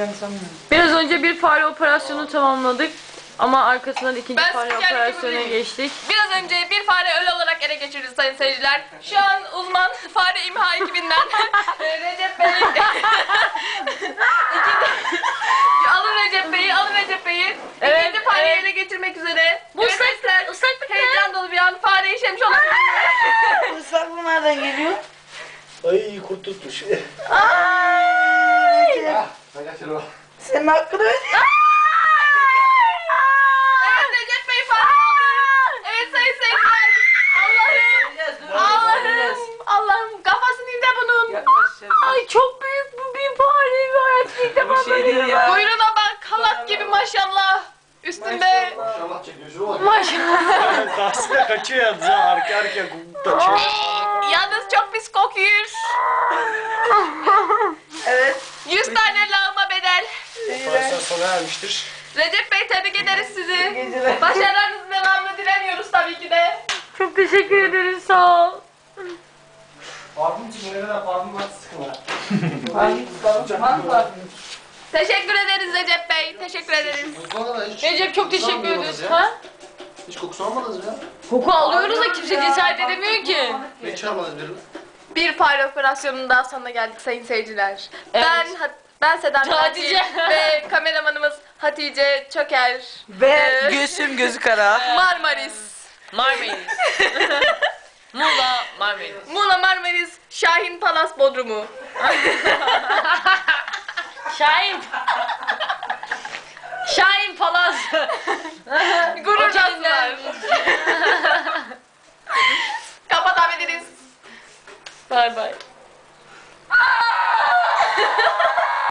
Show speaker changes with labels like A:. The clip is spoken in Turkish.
A: olacağını sanmıyorum.
B: Biraz önce bir fare operasyonu tamamladık. Ama arkasından ikinci
C: Ben
B: fare
C: spiker gibi
B: operasyonuna
C: değilim.
B: geçtik.
C: Biraz önce bir fare ölü olarak ele geçirdi sayın seyirciler. Şu an uzman fare imha ekibinden Recep Bey. Alın Recep Bey'i, alın Recep Bey'i.
B: Evet,
C: İkinci fareyi
B: evet.
C: ele geçirmek üzere.
B: Bu
C: Evet,
B: ıslak-
C: Esra,
B: ıslaklık ne?
C: heyecan dolu bir an. Fare işemiş olabilir.
A: Bu ıslaklık nereden geliyor?
D: Ay kurt tutmuş.
A: Ay.
D: Ben kaçırım.
A: Senin hakkını ödeyeyim.
C: Evet Recep Bey fare oldu. Evet sayın seyirciler. Allah'ım kafası nerede bunun?
B: Ay çok büyük bu bir fare var. İlk defa böyle.
C: Kuyruğuna bak halat gibi maşallah. Üstünde.
D: Maşallah çekiyor şuna bak.
B: Maşallah.
D: Karşısında kaçıyor yalnız ha. Arka kaçıyor.
C: Yalnız çok pis kokuyor.
A: Evet.
C: 100 tane lağıma bedel.
D: Operasyon sona ermiştir.
C: Recep Bey tebrik ederiz sizi.
A: Geceler.
C: Başarılarınızın devamını dilemiyoruz tabii ki de.
B: Çok teşekkür ederiz, sağ ol.
D: Parfüm için ne kadar parfüm var sıkıla.
C: Teşekkür ederiz Recep Bey. Teşekkür ederiz.
B: Recep çok teşekkür ederiz. Ha?
D: Hiç kokusu almadınız ya.
B: Koku alıyoruz da kimse cesaret edemiyor ki.
D: Ne çağırmadınız birini?
C: Bir fare operasyonunun daha sonuna geldik sayın seyirciler.
B: Evet.
C: Ben Sedan
B: Hatice.
C: Katil ve kameramanımız Hatice Çöker.
A: Ve Gülsüm gözü kara.
C: Marmaris.
B: Marmaris. Muğla Marmaris.
C: Muğla Marmaris, Şahin Palas Bodrumu.
B: Şahin. Şahin Palaz.
C: Gururlandılar. Kapatabiliriz.
B: Bay bay.